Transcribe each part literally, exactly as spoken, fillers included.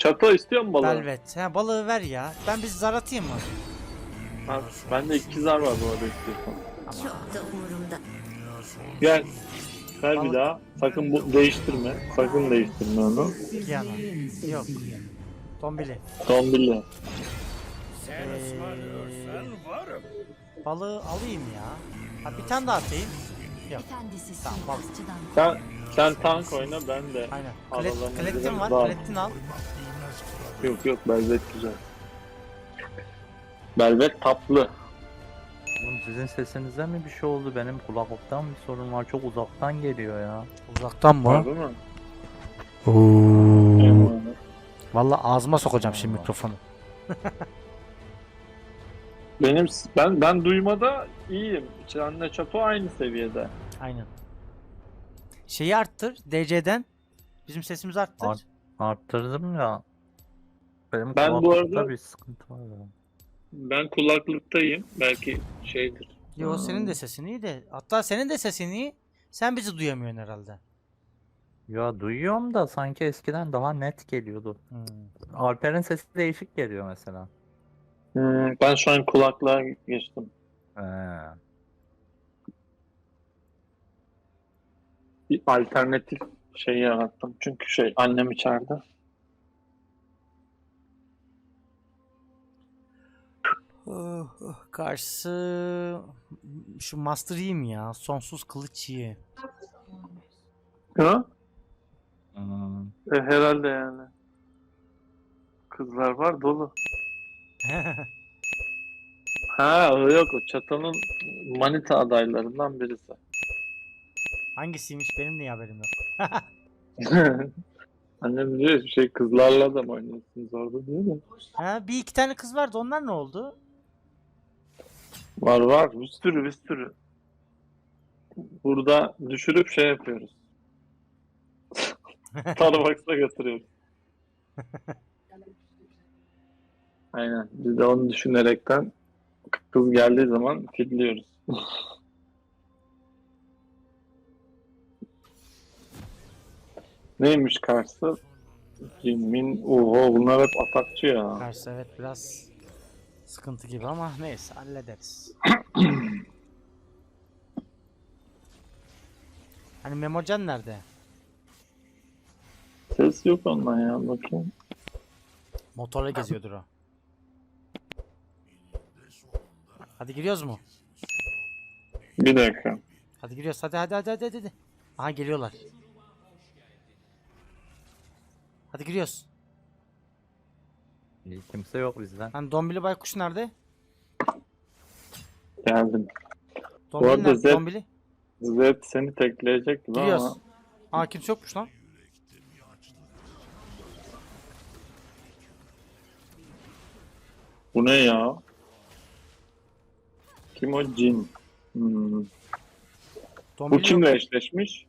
Çato istiyor mu balığı? Velvet. Ha, balığı ver ya. Ben bir zar atayım mı? Ha, bende iki zar var bu arada istiyorsan. Çok da umurumda. Gel. Ver Balık. bir daha. Sakın bu değiştirme. Sakın değiştirme onu. Kiana. Yok. Tombili. Tombili. Ee, balığı alayım ya. Ha, bir tane daha atayım. Yok. Efendisi Tamam, balık. suikastçıdan. Sen sen tank oyna, ben de Aynen. aralarına Klet, kletin girelim. var. Daha- Kletin al. Yok yok, Belvet güzel. Belvet tatlı. Oğlum sizin sesinizden mi bir şey oldu? Benim kulaklıktan bir sorun var. Çok uzaktan geliyor ya. Uzaktan mı? Harbi mi? Oo. Eyvallah. Vallahi ağzıma sokacağım şimdi mikrofonu. Benim ben ben duymada iyiyim. Çanla Çato aynı seviyede. Aynen. Şeyi arttır. D C'den. Bizim sesimizi arttır. Art- Arttırdım ya. Benim Ben bu kulaklıkta arada- bir sıkıntı var ya. Ben kulaklıktayım. Belki şeydir. Yo, senin de sesin iyi de. Hatta senin de sesin iyi. Sen bizi duyamıyorsun herhalde. Ya duyuyorum da sanki eskiden daha net geliyordu. Hmm. Alper'in sesi değişik geliyor mesela. Hmm, ben şu an kulaklığa geçtim. Ee, Bir alternatif şey yarattım. Çünkü şey, annem içeride. Oh, oh. Karşısı şu Master iyi mi ya? Sonsuz kılıç iyi. Ha? hmm, E, herhalde yani. Kızlar var dolu. Ha o yok, o Çato'nun manita adaylarından birisi. Hangisiymiş, benim niye haberim yok? Annem diyor şey, kızlarla da mı oynuyorsunuz orada diyor da. Ha, bir iki tane kız vardı, onlar ne oldu? Var var, bir sürü bir sürü. Burada düşürüp şey yapıyoruz. Starbucks'a götürüyoruz. Aynen, biz de onu düşünerekten kız geldiği zaman fidliyoruz. Neymiş karşısı? Min, oho bunlar hep atakçı ya. Karşı evet, biraz sıkıntı gibi ama neyse, hallederiz. Hani Memocan nerede? Ses yok ondan ya, bakayım. Motorla geziyordur o. Hadi giriyoruz mu? Bir dakika. Hadi giriyoruz, hadi hadi hadi hadi hadi. Aha geliyorlar. Hadi giriyoruz. iyi, kimse yok bizden. Hani Dombili Baykuş nerede? Geldim. Dombili arada nerede? Zed- Dombili. Zed seni tekleyecek gibi Giriyoruz. ama Aa, kimse yokmuş lan. bu ne ya? Kim o? Cin. Hmm. Bu Dombili kimle yok. eşleşmiş?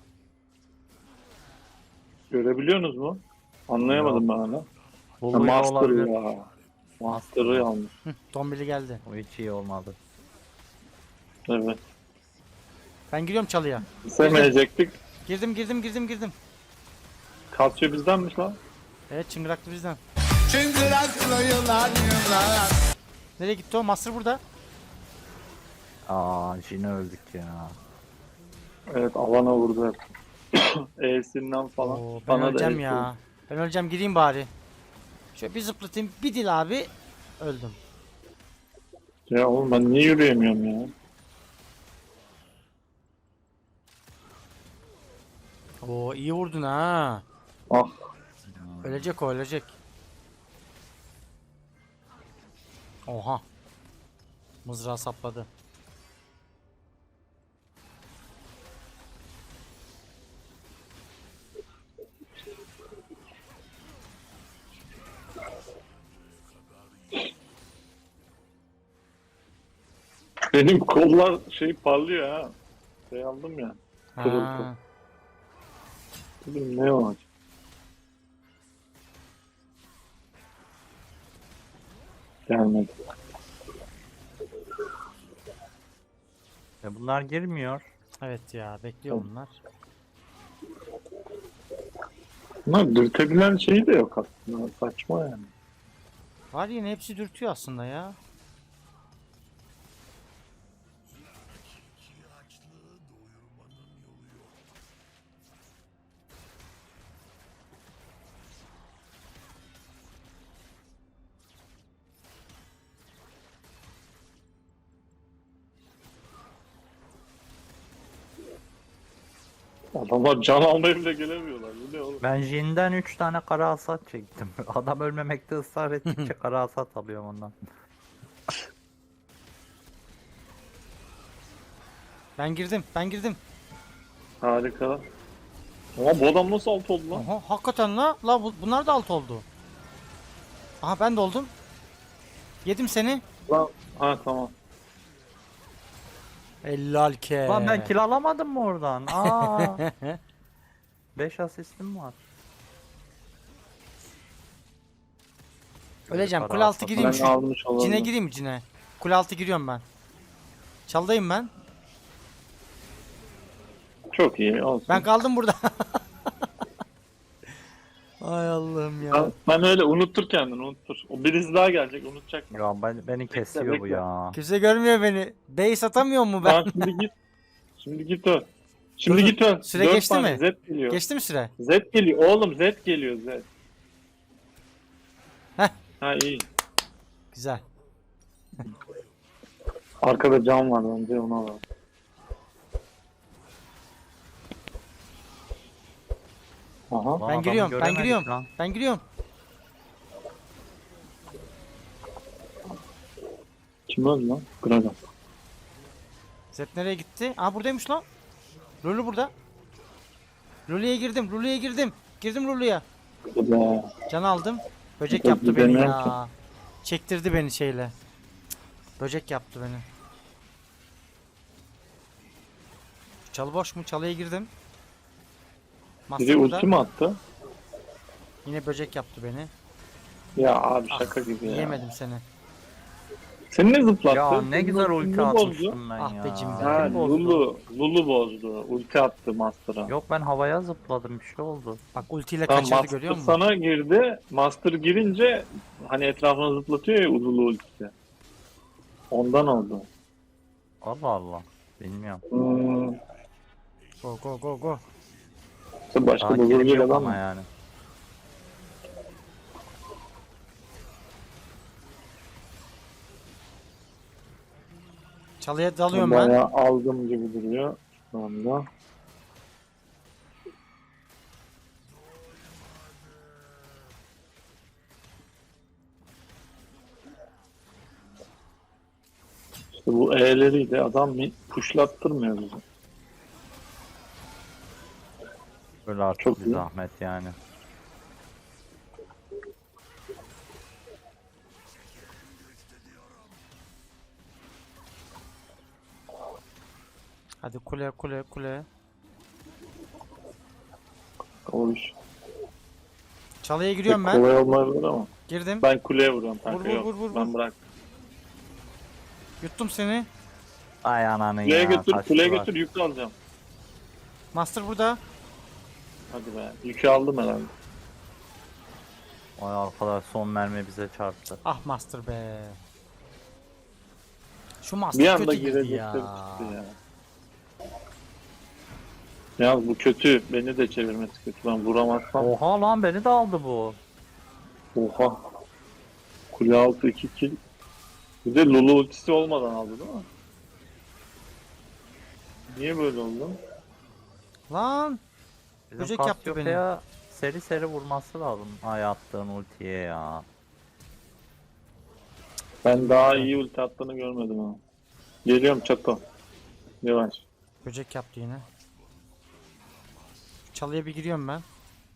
Görebiliyorsunuz mu? Anlayamadım ben hala. Ha, Buluyor Master olabilir. ya. Master'ı almış. Hı, Dombili geldi. O hiç iyi olmadı. Evet. Ben giriyorum çalıya. Sevmeyecektik. Girdim girdim girdim girdim. Kasyo bizdenmiş lan. Evet, çıngıraklı bizden. Çıngıraklı yıllar yıllar. Nereye gitti o? Master burada. Aa, yine öldük ya. Evet, alana vurdu hep. E'sinden falan. Oo, ben Bana da öleceğim el ya. Ben öleceğim, gireyim bari. Şöyle bir zıplatayım, bir dil abi. Öldüm. vurdu. Ya oğlum ben niye yürüyemiyorum ya? Oo, iyi vurdun ha. Ah. Ölecek o, ölecek. Oha. Mızrağı sapladı. Benim kollar şey parlıyor ha. Şey aldım ya. Kırıldı. Ha. Dedim ne olacak? Gelmedi. E bunlar girmiyor. Evet ya, bekliyor bunlar. Bunlar dürtebilen şeyi de yok aslında. Saçma yani. Var yine hepsi dürtüyor aslında ya. Adamlar can almaya bile gelemiyorlar. Bu ne oğlum? Ben Jin'den üç tane kara hasat çektim. Adam ölmemekte ısrar ettikçe kara hasat alıyorum ondan. Ben girdim, ben girdim. Harika. Ama bu adam nasıl alt oldu lan? Oha, hakikaten la. La bu- bunlar da alt oldu. Aha ben de oldum. Yedim seni. Lan. Ha tamam. Helal ke. Lan ben kill alamadım mı oradan? Aa. beş asistim var. Öleceğim. Kara Kule altı hasat. gireyim Ben şu. almış olalım. Cine gireyim mi cine? Kule altı giriyorum ben. Çaldayım ben. Çok iyi olsun. Ben kaldım burada. Ay Allah'ım ya. Ben, ben öyle unuttur kendini unuttur. O birisi daha gelecek unutacak. Ya ben, beni kesiyor bu bekle. ya. Kimse görmüyor beni. Base atamıyor mu ben? Tamam şimdi git. Şimdi git öl. Şimdi Dur, git öl. süre Dört geçti tane mi? Z geliyor. Geçti mi süre? Z geliyor. Oğlum Z geliyor Z. Heh. Ha iyi. Güzel. Arkada cam var bence ona var. Aha. Lan Ben adamı giriyorum, ben göremedik giriyorum. lan. Ben giriyorum. Kim öldü lan? Gragas. Zed nereye gitti? Aa buradaymış lan. Lulu burada. Lulu'ya girdim, Lulu'ya girdim. Girdim Lulu'ya. Be. Can aldım. Böcek Çok yaptı beni güzel ya. Çektirdi beni şeyle. Cık, böcek yaptı beni. Çalı boş mu? Çalıya girdim. Master Biri burada. ulti mi attı? Yine böcek yaptı beni. Ya abi şaka Ah, gibi ya. Yiyemedim seni. Seni ne zıplattı? Ya ne Senin güzel ulti ultini bozdu. atmıştım ben Ah ya. be Jimmy. Ha Kim bozdu? Lulu. Lulu bozdu. Ulti attı Master'a. Yok ben havaya zıpladım bir şey oldu. Bak ultiyle Tamam, kaçırdı Master görüyor musun? sana girdi. Master girince hani etrafına zıplatıyor ya Lulu ultisi. Ondan oldu. Allah Allah. Bilmiyorum. Hmm. Go go go go. İşte başka Daha bir kilim vurgu yok adam ama mı? yani. Çalıya dalıyorum ben. Bayağı aldım gibi duruyor şu anda. İşte bu E'leriyle adam mi puşlattırmıyor bizi. Böyle artık Çok bir iyi. zahmet yani. Hadi kule kule kule. O iş Çalıya pek giriyorum ben. kolay olmayabilir ama. Girdim. Ben kuleye vuruyorum kanka. Vur, vur, Yok, vur, vur, ben vur. bırak. Yuttum seni. Ay ananı Kuleye ya. götür, kaçtılar. kuleye götür yük alacağım. Master burada. Hadi be. Yükü aldım herhalde. Ay arkadaş son mermi bize çarptı. Ah Master be. Şu Master Bir anda kötü girdi girecekler ya. çıktı ya. Ya bu kötü. Beni de çevirmesi kötü. Ben vuramazsam. Oha lan beni de aldı bu. Oha. Kule altı iki kill. Bir de Lulu ultisi olmadan aldı değil mi? Niye böyle oldu? Lan. Bizim Böcek yaptı Cassiopeia seri seri vurması lazım. Ay attığın ultiye ya. Ben daha iyi ulti attığını görmedim ha. Geliyorum çato. Yavaş. Böcek yaptı yine. Çalıya bir giriyorum ben.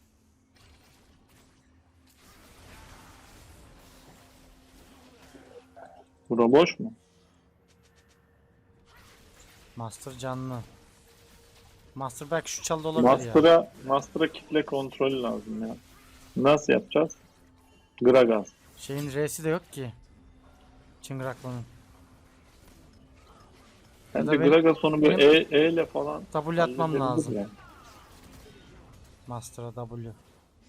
Bura boş mu? Master canlı. Master belki şu çalıda olabilir ya. Master'a Master'a kitle kontrolü lazım ya. Nasıl yapacağız? Gragas. Şeyin R'si de yok ki. Çıngıraklı'nın. Bence da benim- Gragas onu böyle benim- E, E ile falan W atmam halledebilir lazım. ya. Master'a W.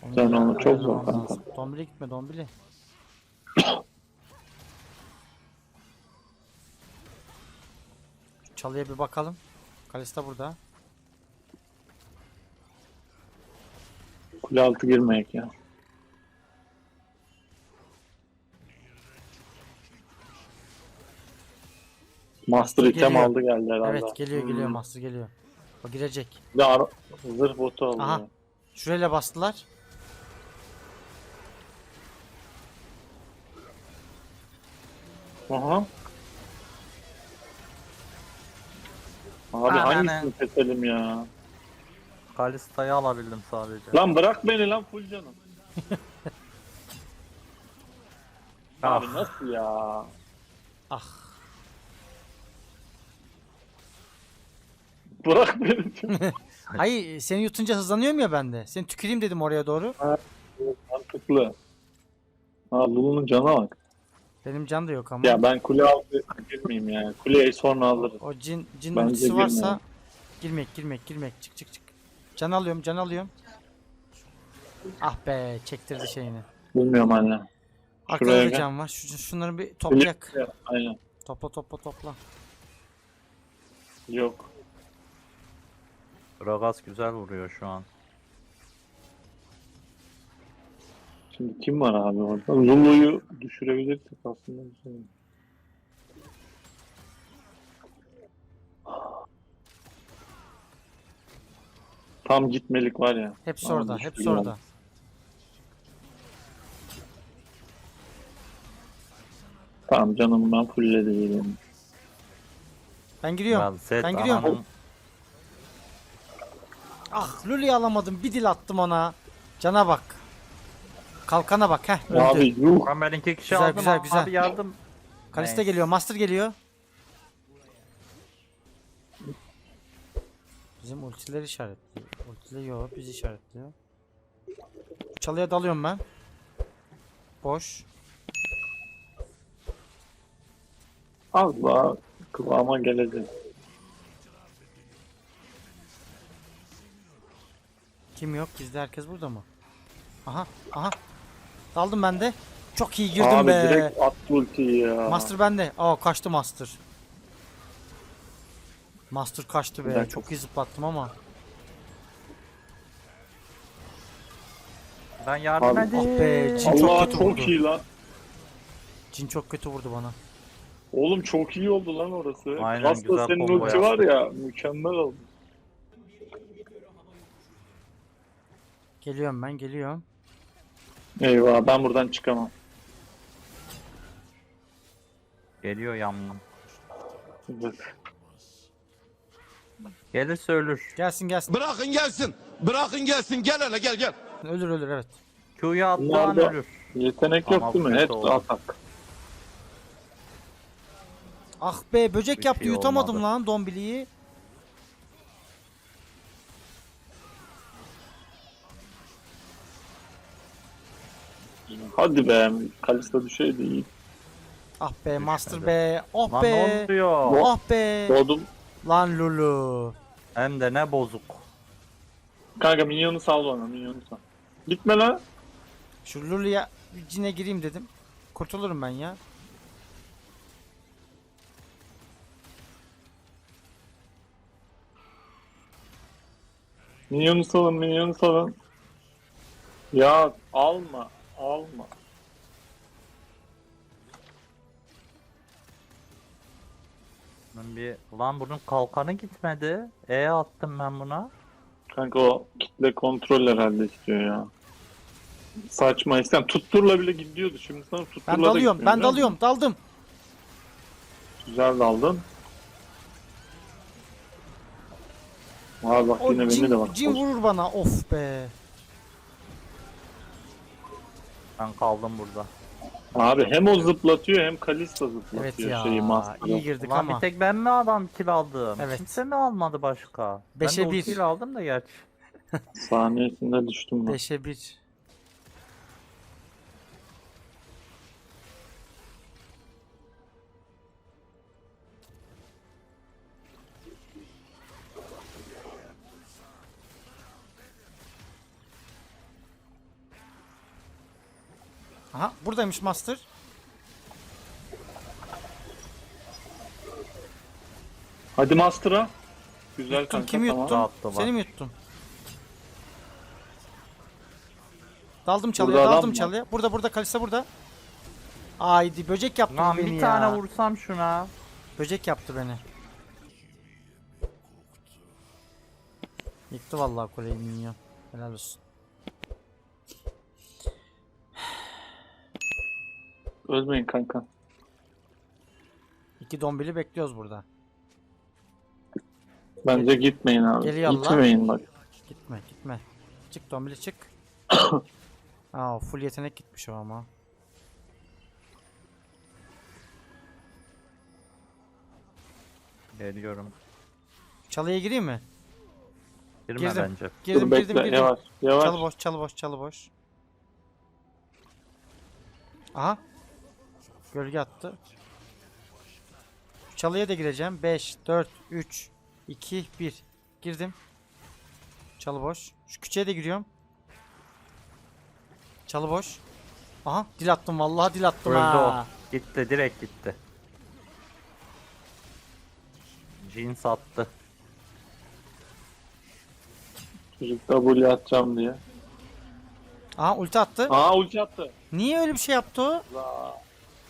Onu Sen bir onu çok zor ayarlamam kanka. lazım. Dombili gitme Dombili. Şu çalıya bir bakalım. Kalista burada. Kule altı girmeyek ya. Master item Geliyor. aldı geldi herhalde. Evet geliyor geliyor Hmm. Master geliyor. O girecek. Bir de ara- zırh botu aldı. Aha. Şurayla bastılar. Aha. Abi Ananı. hangisini keselim ya? Kalista'yı alabildim sadece. Lan bırak beni lan full canım. Abi Ah. nasıl ya? Ah. Bırak beni diyorum. Hayır seni yutunca hızlanıyorum ya ben de. Seni tüküreyim dedim oraya doğru. Mantıklı. Ha Lulu'nun cana bak. Benim can da yok ama. Ya ben kule altı girmeyeyim yani. Kuleyi sonra alırız. O cin cin Bence ultisi varsa girmeyelim. girmek girmek girmek çık çık çık. Can alıyorum can alıyorum. Ah be çektirdi şeyini. Bilmiyorum anne. Arkada Şuraya da gel. can var. Şu, şunları bir toplayak. Ya, aynen. Topla topla topla. Yok. Gragas güzel vuruyor şu an. Şimdi kim var abi orada? Lulu'yu düşürebilirsek aslında. bir şey. Tam gitmelik var ya. Hepsi Ama orada, düştü hepsi yani. orada. Tamam canım ben fullledim. Ben giriyorum. Ben, set Ben giriyorum. ananın- Ah Lulu'yu alamadım. Bir dil attım ona. Cana bak. Kalkana bak heh öldü. Abi yuh. Ben ben iki kişi Güzel, aldım. güzel, abi güzel. yardım. Kalista Neyse. geliyor, Master geliyor. Bizim ultileri işaretliyor. Ultileri biz işaretliyor. Çalıya dalıyorum ben. Boş. Az daha kıvama gelecek. Kim yok? Bizde herkes burada mı? Aha, aha. Daldım ben de. Çok iyi girdim Abi be. direkt at ultiyi ya. Master bende. Aa kaçtı Master. Master kaçtı be. Güzel. Çok iyi zıplattım ama. Ben yardım Abi- edeyim. Ah be, Cin çok Allah kötü çok vurdu. iyi lan. Cin çok kötü vurdu bana. Oğlum çok iyi oldu lan orası. Aynen, Aslında güzel senin combo ulti var ya mükemmel oldu. Geliyorum ben, geliyorum. Eyvah ben buradan çıkamam. Geliyor yamyam. Bak. Gelirse ölür. Gelsin gelsin. Bırakın gelsin. Bırakın gelsin. Gel hele gel gel. Ölür ölür evet. Q'yu attığı an Bunlarda ölür. yetenek Ama yok değil mi? bu Hep kötü oldu. atak. Ah be böcek Bir yaptı şey yutamadım olmadı. lan dombiliyi. Hadi be. Kalista düşeydi iyi. Ah be Master Düşmedi. be. Oh Lan be. ne oluyor? Oh be. Doğdum. Lan Lulu. Hem de ne bozuk. Kanka minyonu sal bana minyonu sal. Gitme lan. Şu Lulu'ya bir cine gireyim dedim. Kurtulurum ben ya. Minyonu salın minyonu salın. Ya alma alma. Ben bir... Lan bunun kalkanı gitmedi. E attım ben buna. Kanka o kitle kontrol herhalde istiyor ya. Saçma istem. Tutturla bile gidiyordu. Şimdi sana tutturla Ben da dalıyorum. gitmiyor, Ben biliyor dalıyorum. Daldım. musun? Güzel daldın. Abi bak O yine beni de cin, bak. cin vurur bana. Of be. Ben kaldım burada. Abi hem o zıplatıyor hem Kalista zıplatıyor Evet ya. şeyi Master'ı. iyi girdik Ulan ama. bir tek ben mi adam kill aldım? Evet. Kimse mi almadı başka? Beşe ben de bir. ultiyle aldım da gerçi. Saniyesinde düştüm ben. beşe bir. Aha buradaymış Master. Hadi Master'a. Güzel Yuttun, kanka kimi tamam. yuttun? Rahat da var. Seni mi yuttun? Daldım çalıya, Burada adam daldım mı? çalıya. Burada burada Kalista burada. Haydi böcek yaptı Lan beni bir ya. tane vursam şuna. Böcek yaptı beni. Yıktı vallahi kuleyi minyon. Helal olsun. Ölmeyin kanka. İki dombili bekliyoruz burada. Bence gitmeyin abi. Geliyor Allah. Gitmeyin bak. Gitme gitme. Çık dombili çık. Aa full yetenek gitmiş o ama. Geliyorum. Çalıya gireyim mi? Girme Girdim. bence. Girdim Dur girdim bekle girdim. yavaş. Yavaş. Çalı boş çalı boş çalı boş. Aha. Gölge attı. Çalıya da gireceğim. beş, dört, üç, iki, bir. Girdim. Çalı boş. Şu küçüğe de giriyorum. Çalı boş. Aha dil attım vallahi dil attım Öldü ha. o. Gitti direkt gitti. Jean sattı. Çocuk W atacağım diye. Aha ulti attı. Aa ulti attı. Niye öyle bir şey yaptı o? La.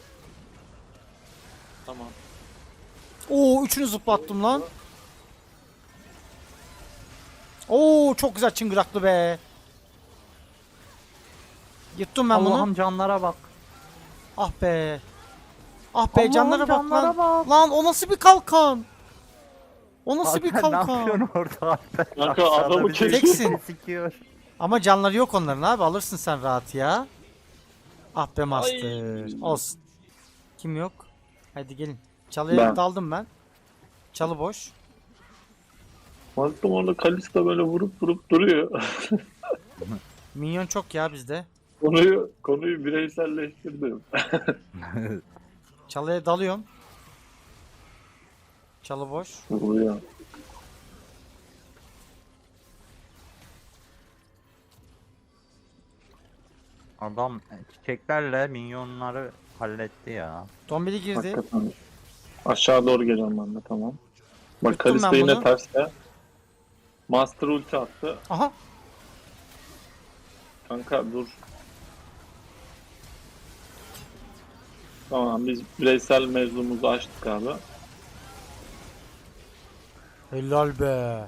Tamam. Oo üçünü zıplattım lan. Oo çok güzel çıngıraklı be. Yuttum ben Allah'ım bunu. canlara bak. Ah be. Ah be Allah'ım canlara bak canlara lan. bak. Lan o nasıl bir kalkan? O nasıl bir Alper, ne kalkan? yapıyorsun orada Alper? Kanka, Aşağıda adamı bizi kesiyor. Teksin. sikiyor. Ama canları yok onların abi alırsın sen rahat ya. Ah be Master. Ay. Olsun. Kim yok? Hadi gelin. Çalıya Ben. daldım ben. Çalı boş. Baktım orada Kalista böyle vurup vurup duruyor. Minyon çok ya bizde. konuyu konuyu bireyselleştirdim. Çalıya dalıyorum. Çalı boş. Vuruyor. Adam çiçeklerle minyonları halletti ya. Dombili girdi. Hakikaten. Aşağı doğru geliyorum ben de tamam. Bak Yuttum Kalista ben yine bunu. terste. Master ulti attı. Aha. Kanka dur. Tamam biz bireysel mevzumuzu açtık abi. Helal be.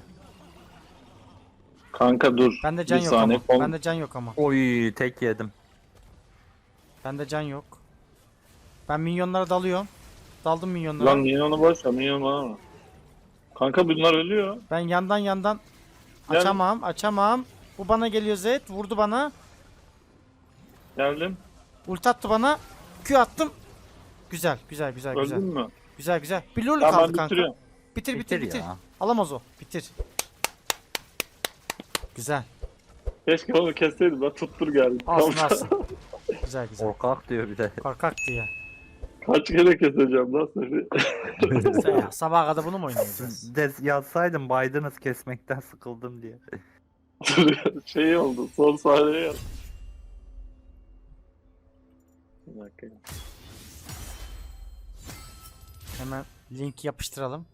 Kanka dur. Bende can bir yok saniye. ama. Kon- Bende can yok ama. Oy tek yedim. Bende can yok. Ben minyonlara dalıyorum. Daldım minyonlara. Lan minyonu boş ver, minyon bana mı? Kanka bunlar ölüyor. Ben yandan yandan Gel. açamam, açamam. Bu bana geliyor Zed, vurdu bana. Geldim. Ult attı bana. Q attım. Güzel, güzel, güzel, güzel. Öldün mü? Güzel, güzel. Bir lol Tamam kaldı ben kanka. bitiriyorum. Bitir, bitir, Bitir bitir. ya. Alamaz o. Bitir. Güzel. Keşke onu kesseydim. Ben tuttur geldim. Alsın, Tamam. alsın. Güzel, güzel. Korkak diyor bir de. Korkak diye. Kaç kere keseceğim lan seni? Sen ya, sabaha kadar bunu mu oynayacağız? De yazsaydım Biden'ız kesmekten sıkıldım diye. şey oldu. Son sahneye yaz. Bir dakika. Hemen link yapıştıralım.